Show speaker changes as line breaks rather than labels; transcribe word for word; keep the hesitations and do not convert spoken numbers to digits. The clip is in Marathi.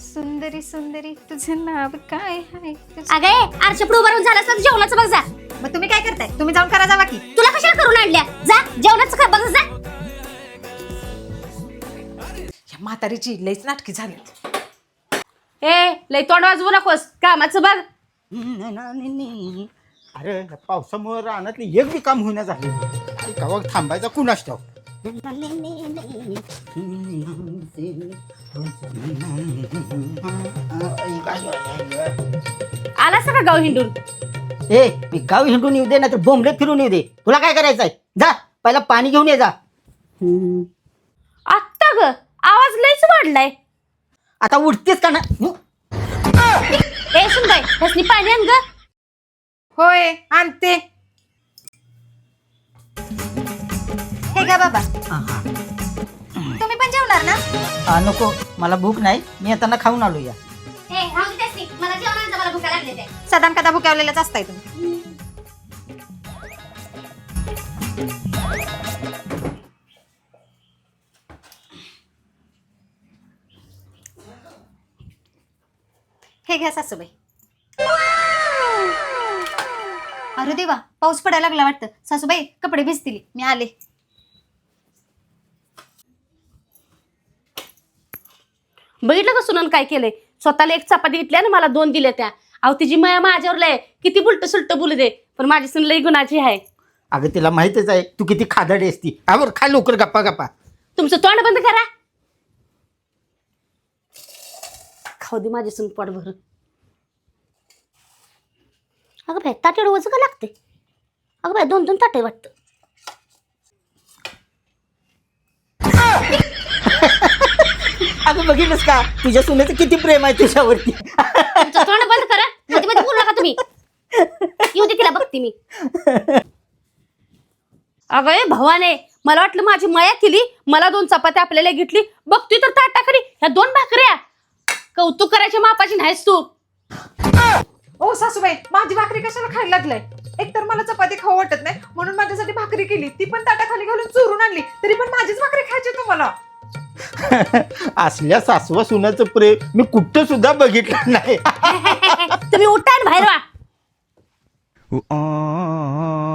सुंदरी सुंदरी तुझं नाव काय आहे?
अगं आरच्या पुढे उभारून झालं असतं जेवणाचं बघ जा.
मग तुम्ही काय करताय? तुम्ही जाऊन करा जावा की.
तुला कशाला करून आणल्या? जा जेवणाचं खा बघ जा.
या म्हातारीची लईच नाटकी झाली.
ए लई तोंड वाजवू नकोस कामाचं बघ.
अरे या पावसामुळे रानातली एक बी काम होईना झाले. कवा थांबायचा कुणास ठाऊक.
आला सगळं गाव हिंडून.
ए मी गाव हिंडून येऊ दे ना तर बोंबले फिरून येऊ दे. तुला काय करायचंय? जा पहिला पाणी घेऊन ये जा.
आत्ता ग आवाज लईच वाढलाय.
आता उठतेस का ना?
ए सुनबाई त्यासनी पाणी आण ग.
होय आणते. हे का बाबा तुम्ही पण जेवणार ना?
आ, नको मला भूक नाही. मी येताना खाऊन आलो या.
ए राहू दे त्यासनी मला जेवणाचं मला भूक लागली ते.
सदाम कदा भुकावलेलाच असताय तुम्ही. हे घ्या सासूबाई. अरे देवा पाऊस पडायला लागला वाटतं. सासूबाई कपडे भिजतील मी आले.
बघितलं का सुनन काय केलंय? स्वतःला एक चपाती घेतली आणि मला दोन दिल्या त्या. अहो तिची माया माझ्यावर लय किती बुलट सुलट बोलू दे पण माझी सून लई गुणाची आहे.
अगं तिला माहितच आहे तू किती खादाडी असती. आवर खा लवकर गप्पा गप्पा.
तुमचं तोंड बंद करा. खाऊ दे माझी सून पोट भर. अगं बाय ताट एवढं वजन का लागते? अगं बाय दोन दोन ताटे वाटतं.
अगं बघितलंस का तुझ्या सुनेचं किती प्रेम आहे तुझ्यावरती.
तुमचं तोंड बंद करा. मध्ये मध्ये बोलू नका तुम्ही. येऊ दे तिला बघते मी. अगं ए भवाने मला वाटलं माझी माया केली. मला दोन चपात्या आपल्याला घेतली. बघतोय तर ताटाकडे ह्या दोन भाकऱ्या. कौतुक करायच्या मापाची नाहीस तू.
ओ सासूबाई माझी भाकरी कशाला खायला लागलाय? एक तर मला चपाती खाऊ वाटत नाही म्हणून माझ्यासाठी भाकरी केली. ती पण ताटाखाली घालून चोरून आणली. तरी पण माझीच भाकरी खायची तुम्हाला.
असल्या सासवा सुनाचं प्रेम मी कुठं सुद्धा बघितलं नाही.
तुम्ही उठा आणि बाहेर वा.